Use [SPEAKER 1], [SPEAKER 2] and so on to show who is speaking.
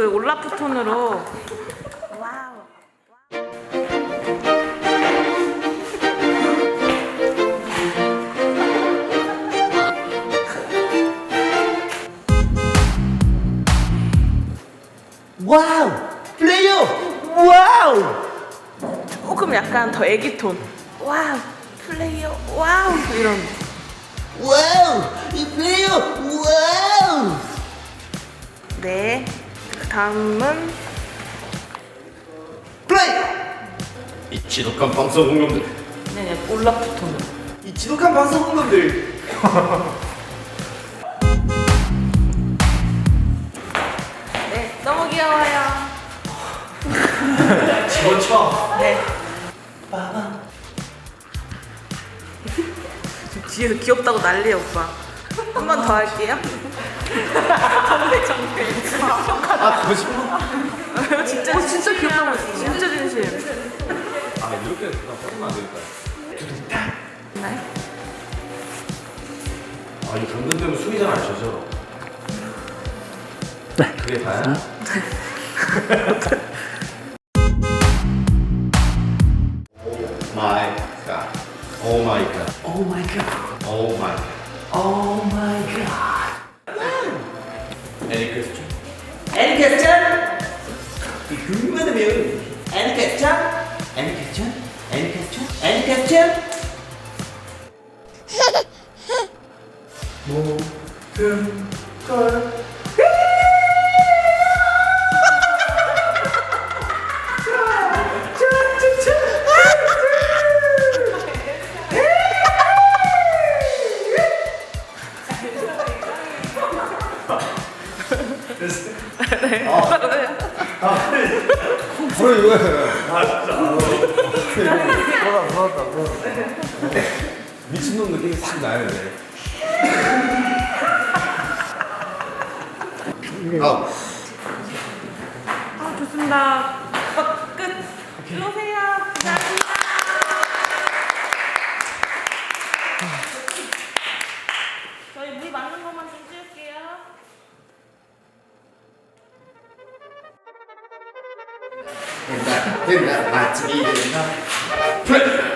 [SPEAKER 1] 그 올라프 톤으로. 와우.
[SPEAKER 2] 와우! 플레이어! 와우!
[SPEAKER 1] 조금 약간 더 애기 톤. 와우. 플레이어. 와우. 이런.
[SPEAKER 2] 와우! 이 플레이어! 와우!
[SPEAKER 1] 네. 그 다음은
[SPEAKER 2] 플레이!
[SPEAKER 3] 이 지독한 방송 공룡들.
[SPEAKER 1] 네, 올라프 톤으로.
[SPEAKER 2] 이 지독한 방송국놈들.
[SPEAKER 1] 네, 너무 귀여워요.
[SPEAKER 3] 집어쳐.
[SPEAKER 1] 네. 지금 뒤에서 귀엽다고 난리야, 오빠. 한 번 더 할게요. 정말.
[SPEAKER 3] 아 거짓말.
[SPEAKER 1] 진짜 귀엽다고 했어. 진짜 진심.
[SPEAKER 3] 아 이렇게 그냥 버리면 안 되겠다.
[SPEAKER 1] 네?
[SPEAKER 3] 아 이 당근 때문에 숨이 잘 안 쉬어져. 그게 다야? 오 마이 갓. 오 마이 갓.
[SPEAKER 2] 오 마이 갓.
[SPEAKER 3] 오 마이 갓.
[SPEAKER 2] 오 마이 갓.
[SPEAKER 3] 에리 크리스천.
[SPEAKER 2] 애니 퀘스천? 궁금하다면 애니 퀘스천? 애니 퀘스천? 애니 퀘스천? 애니 퀘스천? 모든 걸
[SPEAKER 3] 그래 이거야. 미친놈 느낌이 싹 나야 돼. 아,
[SPEAKER 1] 아, 좋습니다. 끝. 들어오세요. 감사합니다. 저희 물 맞는 것만 좀 찍을게요.
[SPEAKER 3] 된다, 아침이 된다.